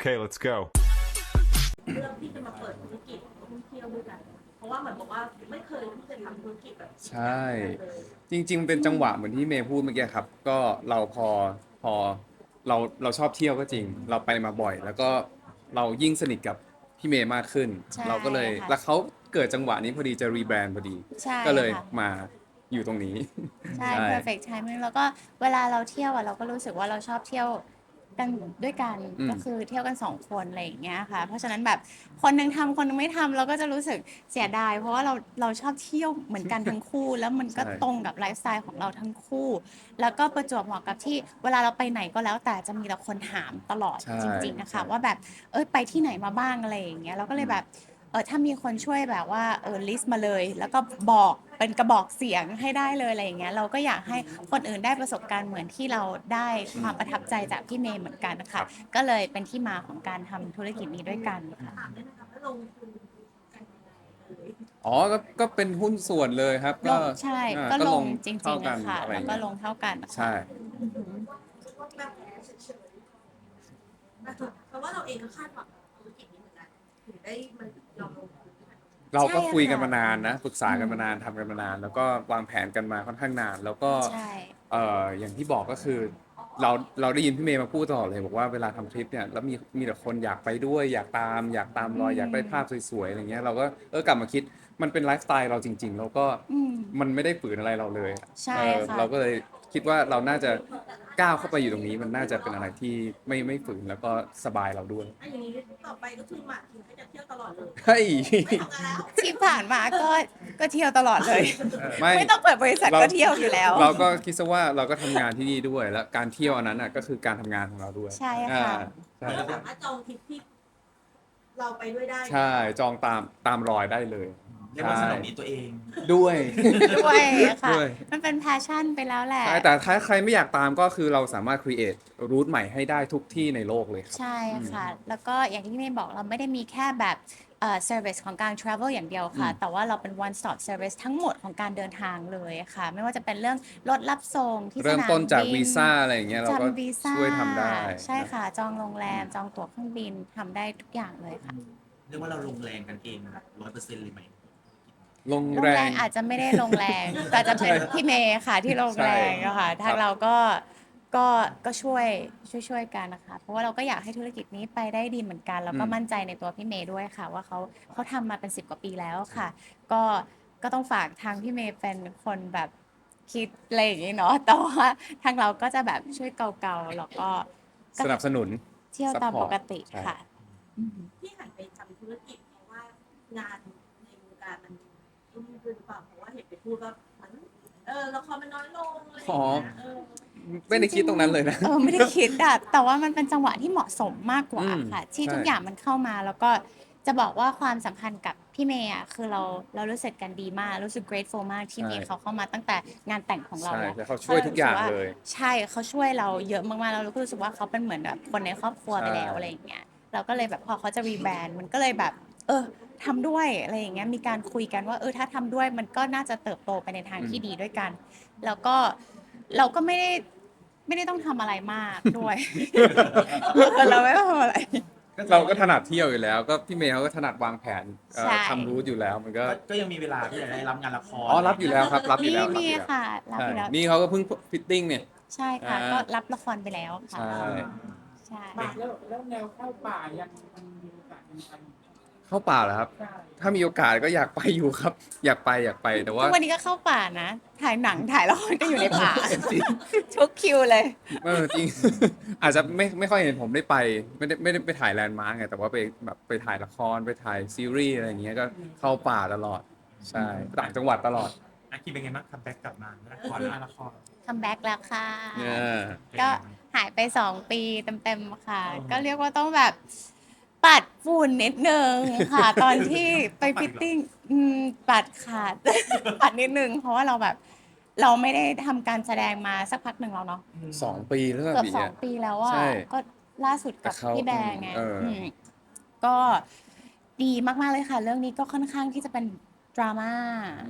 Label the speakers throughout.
Speaker 1: Okay, let's go.
Speaker 2: เรื่องที่จะมาเปิดธุรกิจท่องเที่ยวด้วยกันเพราะว่าเหมือนบอกว่าไม่เคยที่จะทำธุรกิจแบบ
Speaker 3: ใช่จริงๆเป็นจังหวะเหมือนที่เมย์พูดเมื่อกี้ครับก็เราพอเราชอบเที่ยวก็จริงเราไปมาบ่อย แล้วก็เรายิ่งสนิทกับพี่เมย์มากขึ้น
Speaker 4: ใช่
Speaker 3: เราก็เลย
Speaker 4: ค่ะ
Speaker 3: แล้วเขาเกิดจังหวะนี้พอดีจะรีแบรนด์พอดี
Speaker 4: ใช่
Speaker 3: ก็เลย
Speaker 4: ค่ะ
Speaker 3: มาอยู่ตรงนี้
Speaker 4: ใช่ perfect timing แล้วก็เวลาเราเที่ยวอ่ะเราก็รู้สึกว่าเราชอบเที่ยวกันด้วยกัน
Speaker 3: อืม
Speaker 4: ก็คือเที่ยวกัน2 คนอะไรอย่างเงี้ยค่ะเพราะฉะนั้นแบบคนหนึงทำคนหนึงไม่ทำเราก็จะรู้สึกเสียดายเพราะว่าเราชอบเที่ยวเหมือนกันทั้งคู่ แล้วมันก็ตรงกับไลฟ์สไตล์ของเราทั้งคู่ แล้วก็ประจวบเหมาะกับที่เวลาเราไปไหนก็แล้วแต่จะมีแต่คนถามตลอด
Speaker 3: ใช่
Speaker 4: จริงๆนะคะ
Speaker 3: ใช่
Speaker 4: ว่าแบบไปที่ไหนมาบ้างอะไรอย่างเงี้ยเราก็เลยแบบถ้ามีคนช่วยแบบว่าลิสต์มาเลย แล้วก็บอกเป็นกระบอกเสียงให้ได้เลยอะไรอย่างเงี้ยเราก็อยากให้คนอื่นได้ประสบการณ์เหมือนที่เราได้ความประทับใจจากพี่เมย์เหมือนกันนะคะก็เลยเป็นที่มาของการทำธุรกิจนี้ด้วยกันค่ะ
Speaker 2: ถามได้ไหมคะว่าลงทุนกันยังไงเลย
Speaker 3: อ๋อก็เป็นหุ้นส่วนเลยครับ
Speaker 4: ล
Speaker 3: ก็
Speaker 4: งใช่
Speaker 3: อ่า
Speaker 4: ก็ลงจ
Speaker 3: เท่า
Speaker 4: ริงๆ
Speaker 3: กั
Speaker 4: นะ
Speaker 3: น
Speaker 4: คะ
Speaker 3: อะไรอ
Speaker 4: แล้ว
Speaker 3: ย่าง
Speaker 4: ก็
Speaker 3: เงี้ย
Speaker 4: ลงเท่ากันนะคะ
Speaker 3: ใช่
Speaker 2: ว่าแบบเฉยๆเพราะว่าเราเองก็คาดหวังกับธุรกิจนี้เหมือนกันถึงได้มันยอมลงทุนด้วยกัน
Speaker 3: เราก็
Speaker 4: ใช่
Speaker 3: คุยกัน
Speaker 4: ค่ะ
Speaker 3: มานานนะปรึกษากันมานานทำกันมานาน แล้วก็วางแผนกันมาค่อนข้างนาน แล้วก็
Speaker 4: ใช่
Speaker 3: อย่างที่บอกก็คือเราได้ยินพี่เมย์มาพูดตลอดเลยบอกว่าเวลาทำทริปเนี่ยแล้วมีแต่คนอยากไปด้วยอยากตามรอยอยากได้ภาพสวยๆอะไรเงี้ยเราก็กลับมาคิดมันเป็นไลฟ์สไตล์เราจริงๆแล้วก็
Speaker 4: อืม
Speaker 3: มันไม่ได้ฝืนอะไรเราเลย
Speaker 4: ใช่ค่ะ
Speaker 3: เราก็เลยคิดว่าเราน่าจะก้าวเข้าไปอยู่ตรงนี้มันน่าจะเป็นอะไรที่ไม่ฝืนแล้วก็สบายเราด้วย
Speaker 2: อันอย่างนี้ต่อไปก็คือหมากคิมก็จะเที่ยวตลอดเลย
Speaker 3: เฮ้ย
Speaker 2: ไม่ทำงานแล้ว
Speaker 4: ที่ผ่านมาก็เที่ยวตลอดเลย
Speaker 3: ไม่
Speaker 4: ไม่ต้องเปิดบริษัทก็เที่ยวอยู่แล้ว
Speaker 3: เราก็คิดซะว่าเราก็ทำงานที่นี่ด้วย แล้วการเที่ยวอันนั้นน่ะก็คือการทำงานของเราด้วย
Speaker 4: ใช่ค่ะ
Speaker 3: ใช่
Speaker 2: เราสามารถจองทริปที่เราไปด้วยได้
Speaker 3: ใช่จองตามรอยได้เลย
Speaker 5: เรียกว่าสนองนี้ตัวเอง
Speaker 3: ด้วย
Speaker 4: ด้วยค่ะ
Speaker 3: ด้วย
Speaker 4: มันเป็นแพชชั่นไปแล้วแหละ
Speaker 3: ใช่แต่ถ้าใครไม่อยากตามก็คือเราสามารถ create รูทใหม่ให้ได้ทุกที่ในโลกเลยครับ
Speaker 4: ใช่ค่ะ แล้วก็อย่างที่เมย์บอกเราไม่ได้มีแค่แบบservice ของการ travel อย่างเดียวค่ะ แต่ว่าเราเป็น one stop service ทั้งหมดของการเดินทางเลยค่ะ ไม่ว่าจะเป็นเรื่องรถรับส่งที่สนามบิน
Speaker 3: เริ่มต้นจากวีซ่าอะไรอย่างเงี้ยเราก็
Speaker 4: จำวีซ่า
Speaker 3: ช่วยทำได้
Speaker 4: ใช่ค่ะ จองโรงแรม จองตั๋วเครื่องบินทำได้ทุกอย่างเลยค่ะ
Speaker 5: เรียกว่าเราลงแรงกันเอง100%เลยไหม
Speaker 3: ลง
Speaker 4: โรง
Speaker 3: แร
Speaker 4: แรง งอาจจะไม่ได้ลงแรง แต่จะเป็นพี่เมย์ค่ะที่ลงแรงอะค่ะ
Speaker 3: ใช่
Speaker 4: ทางเราก็ช่วยกันนะคะ เพราะว่าเราก็อยากให้ธุรกิจนี้ไปได้ดีเหมือนกัน แล้วก็มั่นใจในตัวพี่เมย์ด้วยค่ะ ว่าเขาทำมาเป็น10 กว่าปีแล้วค่ะ ก็ต้องฝากทางพี่เมย์เป็นคนแบบคิดอะไรอย่างนี้เนาะ แต่ว่าทางเราก็จะแบบช่วยเกาๆแล้วก็
Speaker 3: สนับสนุน
Speaker 4: เที่ยวตาม
Speaker 3: support
Speaker 4: ปกติ
Speaker 3: ใช่
Speaker 4: ค่ะอืม
Speaker 2: ที่หันไปทำธุรกิจเพราะว่างานในวงการมันรุ่งขึ้นหรือเปล่าเพราะว่าเห็นไปพูดว่ามันละครมันน้อยลงอะไรอย่างเงี้ย
Speaker 3: ไม่ได้คิดตรงนั้นเลยนะ
Speaker 4: ไม่ได้คิดอะแต่ว่ามันเป็นจังหวะที่เหมาะสมมากกว่าค่ะ ที่
Speaker 3: ใช่
Speaker 4: ทุกอย่างมันเข้ามาแล้วก็จะบอกว่าความสัมพันธ์กับพี่เมย์อะคือเรารู้สึกกันดีมากรู้สึก grateful มากที่มีเขาเข้ามาตั้งแต่งานแต่งของเรา
Speaker 3: ใช่
Speaker 4: แล้ว
Speaker 3: แต่เขาช่วยทุกอย่างเลย
Speaker 4: ใช่เขาช่วยเราเยอะมากๆแล้วเราก็รู้สึกว่าเขาเป็นเหมือนแบบคนในครอบครัวไปแล้ว
Speaker 3: ใช่
Speaker 4: อะไรอย่างเงี้ยเราก็เลยแบบพอเขาจะรีแบรนด์มันก็เลยแบบทำด้วยอะไรอย่างเงี้ยมีการคุยกันว่าถ้าทำด้วยมันก็น่าจะเติบโตไปในทางที่ดีด้วยกัน แล้วก็เราก็ไม่ได้ต้องทำอะไรมากด้วย เราไม่ต้องทำอะไร
Speaker 3: เราก็ถนัดเที่ยวอยู่แล้ว ก็พี่เมย์เขาก็ถนัดวางแผน
Speaker 4: ใช่
Speaker 3: ทำรูทอยู่แล้วมันก็
Speaker 5: ก็ยังมีเวลาที่จะได้รับงานละคร
Speaker 3: อ๋อรับอยู่แล้วครับรับอยู่แล้วรับ
Speaker 4: มี
Speaker 3: อยู่แล้ว
Speaker 4: ค่ะรับอยู่แล้ว
Speaker 3: ใช่นี่เขาก็เพิ่งฟิตติ้งเนี่ย
Speaker 4: ใช่ค่ะ
Speaker 3: อ่า
Speaker 4: ก็รับละครไปแล้วค่ะ
Speaker 3: ใช่
Speaker 4: ใช่
Speaker 6: แล้วแนวเข้าป่ายังมันมีโอกาสเป็นไป
Speaker 3: เข้าป่าเหรอครับ ถ้ามีโอกาสก็อยากไปอยู่ครับ อยากไปแต่ว่า
Speaker 4: ทุกวันนี้ก็เข้าป่านะ ถ่ายหนังถ่ายละครก็อยู่ในป่า ทุกคิวเลย
Speaker 3: จริง อาจจะไม่ค่อยเห็นผมได้ไปไม่ได้ไปถ่ายแลนด์มาร์กไงแต่ว่าไปแบบไปถ่ายละครไปถ่ายซีรีส์อะไรอย่างเงี้ยก็เข้าป่าตลอดใช่ต่างจังหวัดตลอด
Speaker 5: อาคิมเป็นไงบ้างคัมแบ็กกลับมาละครละคร
Speaker 4: คัมแบ็กแล้วค่ะ
Speaker 3: เนี่ย
Speaker 4: ก็หายไป2 ปีเต็มๆค่ะ ก็เรียกว่าต้องแบบปัดฝุ่นนิดนึงค่ะ ตอนที่ไปฟิตติ้งปัดค่ะ ปัดนิดนึง เพราะว่าเราแบบเราไม่ได้ทำการแสดงมาสักพักหนึ่งแล้วเนาะ
Speaker 3: 2 ปีแล้ว
Speaker 4: เกือบ
Speaker 3: บี
Speaker 4: 2 ปีแล้วอะ
Speaker 3: ใช่
Speaker 4: ก็ล่าสุดกับ
Speaker 3: แต่เขา
Speaker 4: พี่แบงไง มก็ดีมากๆเลยค่ะ เรื่องนี้ก็ค่อนข้างที่จะเป็นดราม่า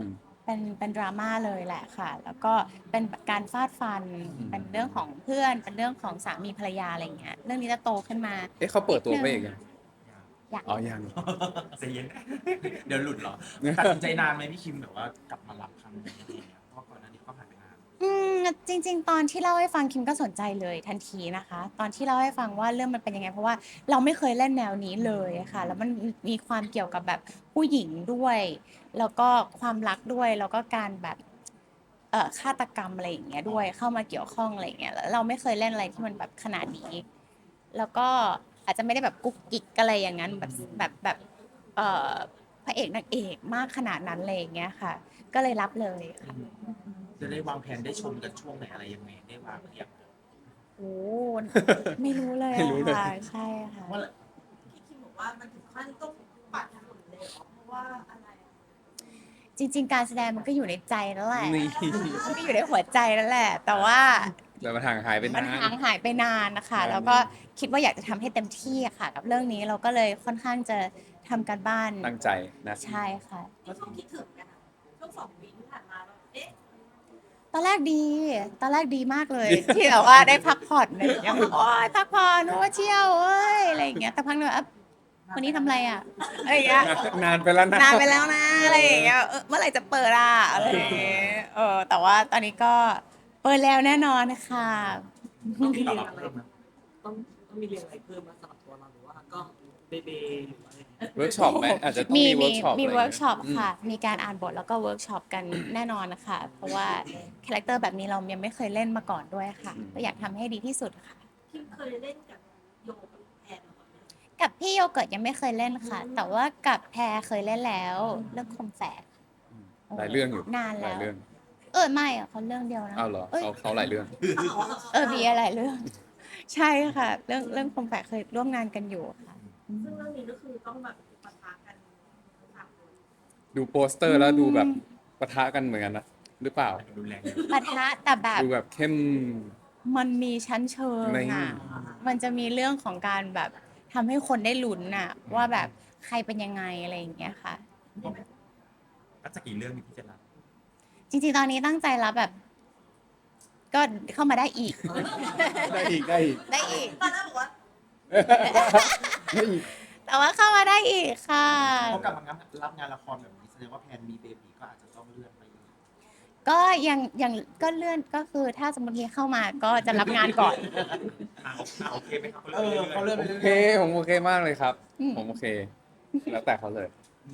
Speaker 4: เป็นดราม่าเลยแหละค่ะ แล้วก็เป็นการฟาดฟันเป็นเรื่องของเพื่อนเป็นเรื่องของสามีภรรยาอะไรอย่างเงี้ยเรื่องนี้จะโตขึ้นมา
Speaker 3: เอ๊ะเขาเปิดตัวไปเองยัง
Speaker 4: อยาก
Speaker 3: อ๋อยัง
Speaker 5: ใจเย็น เดี๋ยวหลุดเหรอตัดสินใจนานไหมพี่คิมแบบว่ากลับมารับครั้งนี้อะไรเงี้ยเพราะว่าก่อนหน้านี้ก็ผ่านไปนาน
Speaker 4: จริงๆ ตอนที่เล่าให้ฟังคิมก็สนใจเลยทันทีนะคะ ตอนที่เล่าให้ฟังว่าเรื่องมันเป็นยังไงเพราะว่าเราไม่เคยเล่นแนวนี้เลยค่ะแล้วมันมีความเกี่ยวกับแบบผู้หญิงด้วย แล้วก็ความรักด้วยแล้วก็การแบบฆาตกรรมอะไรอย่างเงี้ยด้วยเข้ามาเกี่ยวข้องอะไรอย่างเงี้ยแล้วเราไม่เคยเล่นอะไรที่มันแบบขนาดนี้ แล้วก็อาจจะไม่ได้แบบกุ๊กกิ๊กอะไรอย่างนั้นแบบเอ่อพระเอกนางเอกมากขนาดนั้นเลยอย่างเงี้ยค่ะ ก็เลยรับเลยค่ะ
Speaker 5: จะได้วางแผนได้ชมกันช่วงไหนอะไรยังไงได้วางหรือยัง
Speaker 4: โอ้ไม่รู้เลย
Speaker 3: ไม่รู้เลย
Speaker 4: ค่ะใช่ค่ะ
Speaker 5: ว่า
Speaker 2: พี่คิมบอกว่ามันถึงขั้นต้องปัดถนนเลยเหรอเพราะว่าอะไรอะ
Speaker 4: จริง ๆ การแสดงมันก็อยู่ในใจแล้วแหละ
Speaker 3: นี่
Speaker 4: มันก็อยู่ในหัวใจแล้วแหละ แต่ว่า
Speaker 3: แต่มันห่างหายไป
Speaker 4: มัน
Speaker 3: นาน
Speaker 4: ห่างหายไปนานนะคะ
Speaker 3: นาน
Speaker 4: แล้วก็คิดว่าอยากจะทำให้เต็มที่อะค่ะ กับเรื่องนี้เราก็เลยค่อนข้างจะทำการบ้าน
Speaker 3: ตั้งใจนะ
Speaker 4: ใช่ค่ะ
Speaker 2: นี่ช่วงคิดถึงกันอะช่วง2 ปีที่ผ่านมาแบบเอ๊ะ
Speaker 4: ตอนแรกดีมากเลย ที่แบบว่าได้พักผ่อนอะไรอย่างเงี้ยโอ้ยพักผ่อนโอ้ยเที่ยวเอ้ยอะไรอย่างเงี้ยแต่พักหนึ่งอ่ะวันนี้ทำอะไรอ่ะอะไรอย่างเงี้ย
Speaker 3: นานไปแล้วนะ
Speaker 4: นานไปแล้วนะอะไรอย่างเงี้ยเมื่อไหร่จะเปิดอ่ะอะไรอย่างเงี้ยแต่ว่าตอนนี้ก็เปิดแล้วแน่นอนค่ะ
Speaker 1: ต้องมีเรียนอะไรต้องมีเรียนอะไรเพิ่มมาสำหรับตัวเราหรือว่าก็เบเบหรือว่าอะไร
Speaker 3: เวิร์กช็อปไหมอาจจะต้องมีเวิร์กช็อป
Speaker 4: มี
Speaker 3: อะไร
Speaker 4: เวิร์กช็อป
Speaker 3: อย่างเงี้ย
Speaker 4: ค่ะ มีการอ่านบทแล้วก็เวิร์กช็อปกันแน่นอนนะคะ เพราะว่าคาแรคเตอร์แบบนี้เรายังไม่เคยเล่นมาก่อนด้วยค่ะ ก็อยากทำให้ดีที่สุดค่ะ
Speaker 2: คิมเคยเล่นกับโยกับแอนมาก่อนไหม
Speaker 4: กับพี่โยเกิร์ตยังไม่เคยเล่นค่ะ แต่ว่ากับแพรเคยเล่นแล้วเรื่องคมแฝด
Speaker 3: หลายเรื่องอยู่
Speaker 4: นาน
Speaker 3: ห
Speaker 4: แล้
Speaker 3: ลายว เรื่อง
Speaker 4: ไม่อะเขาเรื่องเดียวนะ
Speaker 3: อ้าวเหรอ
Speaker 4: อ้ย
Speaker 3: เขาหลายเรื่อง
Speaker 4: มีอะไรเรื่อง ใช่ค่ะ เรื่องคมแฝกเคยร่วมงานกันอยู่ค่ะ
Speaker 2: ซึ่งเรื่องนี้ก็คือต้องแบบปะทะกันทั้งสามคน
Speaker 3: ดูโปสเตอร์แล้วดูแบบปะทะกันเหมือนกันนะหรือเปล่า
Speaker 5: รุนแรง
Speaker 4: ปะทะแต่แบบ
Speaker 3: ดูแบบเข้ม
Speaker 4: มันมีชั้นเชิง
Speaker 3: ใน
Speaker 4: อ่ะ มันจะมีเรื่องของการแบบทำให้คนได้ลุ้นอ่ะ ว่าแบบใครเป็นยังไงอะไรอย่างเงี้ยค่ะ
Speaker 5: ก็จะกี่เรื่องมีที่จะรับ
Speaker 4: จริงๆ ตอนนี้ตั้งใจรับแบบ ก็เข้ามาได้อีก
Speaker 3: ได้อีกได้อีก
Speaker 4: ได้อีก
Speaker 2: ตอนแรกบอกว่า
Speaker 3: ได้อีก
Speaker 4: แต่ว่าเข้ามาได้อีกค่ะ
Speaker 5: เขากลับมารับงานละครแบบนี้แสดงว่าแพนมีเบบีก็อาจจะต้องเลื่อนไปอีก
Speaker 4: ก็ยังก็เลื่อนก็คือถ้าสมมติมีเข้ามาก็จะรับงานก่อน
Speaker 5: โอเคไหมครับเขาเลื่อนไป
Speaker 3: โอ
Speaker 5: เรื่อย
Speaker 3: เคผมโอเคมากเลยครับ
Speaker 4: อืม
Speaker 3: ผมโอเค แล้วแต่เขาเลย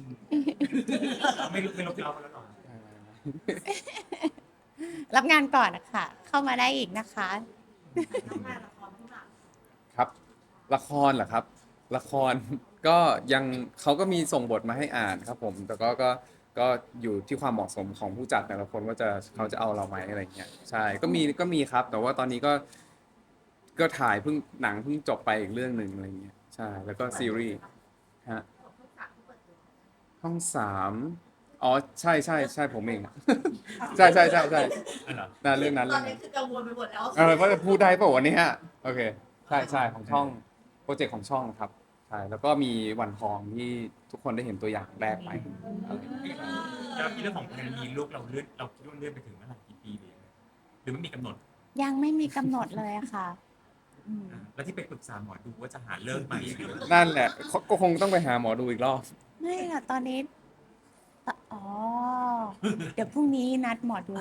Speaker 5: ไม่ลบเราแล้วหรอ
Speaker 4: รับงานก่อนนะคะเข้ามาได้อีกนะคะ
Speaker 2: น้องงานละครข้างหลัง
Speaker 3: ครับ ละครเหรอครับ ละคร ก็ยังเขาก็มีส่งบทมาให้อ่านครับผม แต่ก็อยู่ที่ความเหมาะสมของผู้จัดแต่ละคนว่าเขาจะเอาเราไหมอะไรเงี้ยใช่ก็มีครับ แต่ว่าตอนนี้ก็ถ่ายหนังเพิ่งจบไปอีกเรื่องหนึ่งอะไรเงี้ยใช่แล้วก็ซีรีส์ฮะ
Speaker 2: ของช่องสามที่เปิดตัว
Speaker 3: ห้อง3อ๋อใช่ผมเอง ใช่นั่นเรื่องนั้น
Speaker 2: ต
Speaker 3: เรื่
Speaker 2: อ
Speaker 3: อน ง
Speaker 2: นี้
Speaker 3: นั้น
Speaker 2: คือกังวลไปหมดแล้ว
Speaker 3: ว่าจะพูดได้เปล่าวันนี้ฮะโอเคใช่ของช่องโปรเจกต์ของช่องครับใช่แล้วก็มีวันทองที่ทุกคนได้เห็นตัวอย่างแรกไปอะไรอย่างเงี้ย
Speaker 5: แล้วที่เรื่องของแพนมีลูกเราคิดว่าเลื่อนไปถึงเมื่อไหร่กี่ปีเลยหรือไม่มีกำหนด
Speaker 4: ยังไม่มีกำหนดเลยอะค่ะอืม
Speaker 5: แล้วที่ไปปรึกษาหมอดูว่าจะหาเลิกใหม่
Speaker 3: นั่นแหละก็คงต้องไปหาหมอดูอีกรอบ
Speaker 4: ไม่ค่ะตอนนี้อ๋อเดี๋ยวพรุ่งนี้นัดหมอดู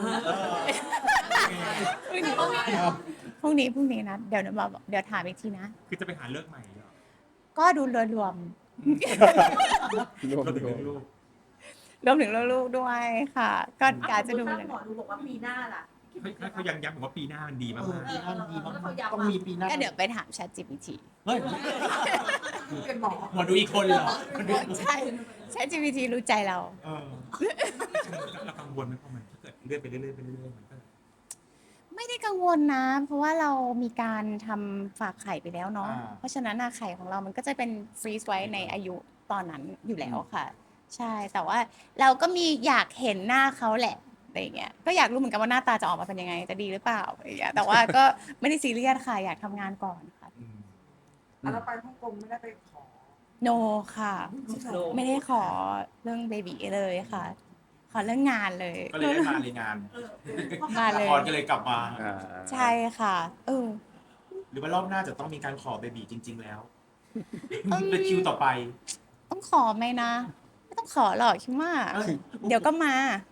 Speaker 4: พรุ่งนี้นัดเดี๋ยวถามอีกทีนะ
Speaker 5: คือจะไปหาเลิกใหม่เหรอ
Speaker 4: ก็ดูโดยรวม
Speaker 3: รวม
Speaker 5: ก็ถึง
Speaker 3: รวม
Speaker 5: ลูก
Speaker 4: รวมถึงลูกๆด้วยค่ะ ก็กาจะดู
Speaker 2: ถ้า
Speaker 4: เลย
Speaker 2: หมอดูบอกว่าปีหน้าล่ะ
Speaker 5: เขายังย้ำว่าปีหน้ามันดีมาก
Speaker 1: ปีหน้าดีมาก
Speaker 2: เขาย้ำ
Speaker 1: ต้องมีปีหน้า
Speaker 4: ก็เดี๋ยวไปถาม ChatGPT
Speaker 1: เฮ้ย
Speaker 2: เป็นหมอ
Speaker 5: หมอดูอีกคนเหรอ
Speaker 4: ใช่ ChatGPT รู้ใจเรา
Speaker 5: เรากังวลไหมเพราะมันถ้าเกิดเลื่อนไปเรื่อยๆมันก็
Speaker 4: ไม่ได้กังวลนะ เพราะว่าเรามีการทำฝากไข่ไปแล้วเนาะ เพราะฉะนั้นไข่ของเรามันก็จะเป็นฟรีซไว้ในอายุตอนนั้นอยู่แล้วค่ะ ใช่ แต่ว่าเราก็มีอยากเห็นหน้าเขาแหละอะไรอย่างเงี้ย ก็อยากรู้เหมือนกันว่าหน้าตาจะออกมาเป็นยังไง จะดีหรือเปล่าอะไรอย่างเงี้ย แต่ว่าก็ไม่ได้ซีเรียสค่ะ อยากทำงานก่อนค่ะ
Speaker 1: แล้วไปฮ่องกงไม่ได้ไปขอ
Speaker 4: โนค่ะ ไม่ได้ขอเรื่องเบบีเลยค่ะ เขาอเรื่องงานเลย
Speaker 5: ก็เลยได้มาในงาน
Speaker 2: เออ
Speaker 4: มาเล
Speaker 5: ละ
Speaker 4: ย
Speaker 5: ครก็เลยกลับมา
Speaker 3: อ่า
Speaker 4: ใช่ค่ะ
Speaker 5: หรือว่ารอบหน้าจะต้องมีการขอเบบีจริง ๆ แล้ว
Speaker 4: อืม
Speaker 5: เป็นคิวต่อไป
Speaker 4: ต้องขอไหมนะ ไม่ต้องขอหรอกคิดว่า
Speaker 5: เอ้ย
Speaker 4: เดี๋ยวก็มา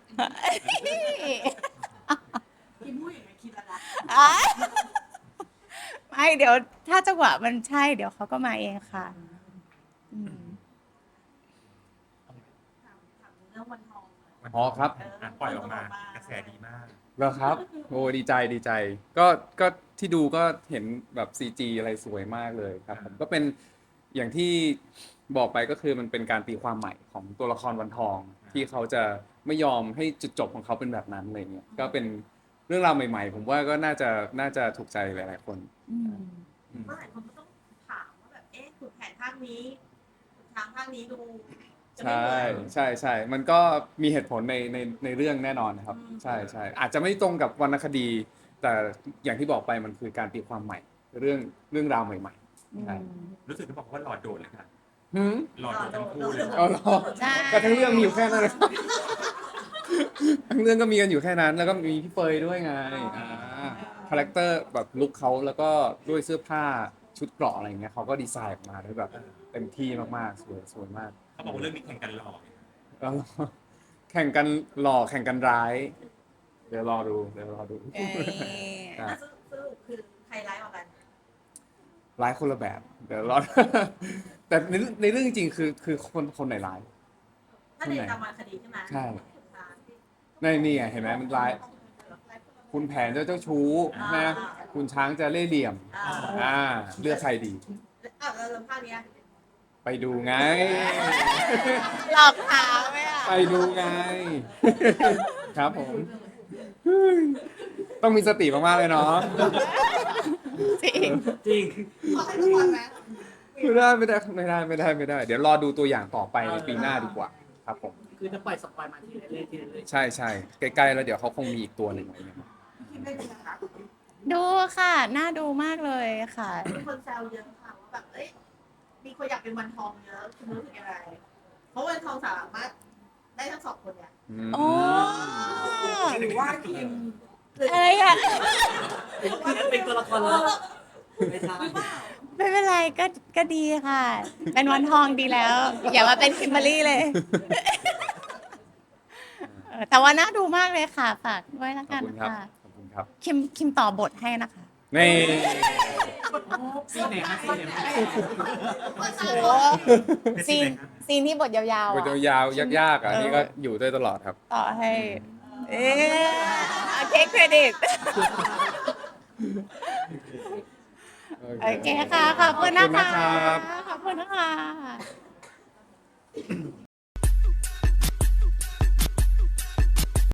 Speaker 2: คิมพูดอย่างนี้คิดแล้วนะ
Speaker 4: ไม่เดี๋ยวถ้าจังหวะมันใช่เดี๋ยวเขาก็มาเองค่ะอืม
Speaker 2: ถามเรื่องวันทองหน่อย
Speaker 3: อ๋อครับ
Speaker 5: อ่ะปล่อยออกมากระแสดีมาก
Speaker 3: แล้วครับ โอ้ดีใจดีใจ ก็ที่ดูก็เห็นแบบ CG อะไรสวยมากเลยครับผมก็เป็นอย่างที่บอกไปก็คือมันเป็นการตีความใหม่ของตัวละครวันทอง ที่เขาจะไม่ยอมให้จุดจบของเขาเป็นแบบนั้นอะไรเงี้ยก็เป็นเรื่องราวใหม่ๆ ผมว่าก็น่าจะถูกใจหลายๆคน
Speaker 4: อืม
Speaker 2: เมื่อไหร่คนก็ต้องถามว่าแบบ เอ๊ะขุนแผนภาคนี้ขุนช้างภาคนี้ดูจะไม่
Speaker 3: ใช่
Speaker 2: เหมือน
Speaker 3: ใช่มันก็มีเหตุผลในเรื่องแน่นอนนะครับ
Speaker 2: อืม
Speaker 3: ใช่อาจจะไม่ตรงกับวรรณคดี แต่อย่างที่บอกไปมันคือการตีความใหม่ เรื่องราวใหม่ๆใช่
Speaker 5: รู้สึกที่บอกว่าหลอดโดดเลยค่ะ
Speaker 3: หืม
Speaker 5: หลอดโดดทั้งคู่เลย
Speaker 3: เอาเหรอ
Speaker 4: ใช่
Speaker 3: ก็ทั้งเรื่องมีอยู่แค่นั้นเลยทั้งเรื่องก็มีกันอยู่แค่นั้น แล้วก็มีพี่เฟยด้วยไงคาแรคเตอร์แบบลุคเขาแล้วก็ด้วยเสื้อผ้าชุดเกราะอะไรเงี้ยเขาก็ดีไซน์ออกมาได้แบบเต็มที่มากๆสวยมาก
Speaker 5: เขาบอกว่าเรื่องนี้แข่งกันหล่อ
Speaker 3: แล้วแข่งกันหล่อแข่งกันร้าย เดี๋ยวรอดู
Speaker 4: เอ้ย
Speaker 3: อ่ะ
Speaker 2: สรุปคือใครร้ายกว่ากัน
Speaker 3: ร้ายคนละแบบ เดี๋ยวรอ แต่ในเรื่องจริงๆคือคนไหนร้าย
Speaker 2: ถ้าในตามวรรณคดีใช่ไหม
Speaker 3: ใช่ ในนี่ไงเห็นไหมมันร้าย คุณแผนเจ้าชู้นะคุณช้างจะเล่ห์เหลี่ยม เลือกใครดี
Speaker 2: อ้าวแล้วเรื่องภาคเนี้ย
Speaker 3: ไปดูไง
Speaker 4: หลอกถามไหมอ่ะ
Speaker 3: ไปดูไง ครับผม ต้องมีสติมากๆเลยเนาะ
Speaker 4: จริง
Speaker 1: จริง
Speaker 2: ขอให้ทุกคนไหม
Speaker 3: ไม่ได้ เดี๋ยวรอดูตัวอย่างต่อไปในปีหน้าดีกว่า ครับผม
Speaker 1: คือจะปล่อยสปอยล์มาทีละเรื่อยทีละเรื่อย
Speaker 3: ใช่ใกล้ๆแล้วเดี๋ยวเขาคงมีอีกตัวหนึ่งอะไรเงี้ย
Speaker 2: คิดได้ดีนะคะ
Speaker 4: ดูค่ะ น่าดูมากเลยค่ะ
Speaker 2: มีคนแซวเยอะค่ะว่าแบบ เอ้ย มีคนอยากเป็นวันทองเยอะคุณรู้สึกยังไงเพราะวันทองสามารถได้ทั้งสองคนเนี่ย
Speaker 4: โอ้
Speaker 2: หรือว่าทีม
Speaker 4: อะไรอ่ะ
Speaker 1: เป็นตัวละครแล้วไม่ใช่
Speaker 4: ไม่เป็นไรก็ดีค่ะ เป็นวันทองดีแล้ว อย่ามาเป็นคิมเบอรรี่เลย แต่ว่าน่าดูมากเลยค่ะฝากด้วยละ
Speaker 3: ขอ
Speaker 4: กับ น
Speaker 3: คุณครับ
Speaker 4: ค่ะ
Speaker 3: ขอบคุณครับ
Speaker 4: คิมต่อบทให้นะคะ
Speaker 3: นี่
Speaker 1: ซีไหนฮะซีไหนฮะ
Speaker 4: โอ้ซีนที่บทยาว
Speaker 3: บ
Speaker 4: ๆ
Speaker 3: ท
Speaker 4: อะ
Speaker 3: ยาวๆยากๆอ่ะนี่ก็อยู่ด้วยตลอดครับ
Speaker 4: ต่อให้ เอ๊ะเทคเครดิต โอเคค่ะ ขอบคุณนะ
Speaker 3: ขอบคุณ
Speaker 4: คะ
Speaker 3: นะครับ
Speaker 4: ขอบคุณนะคะ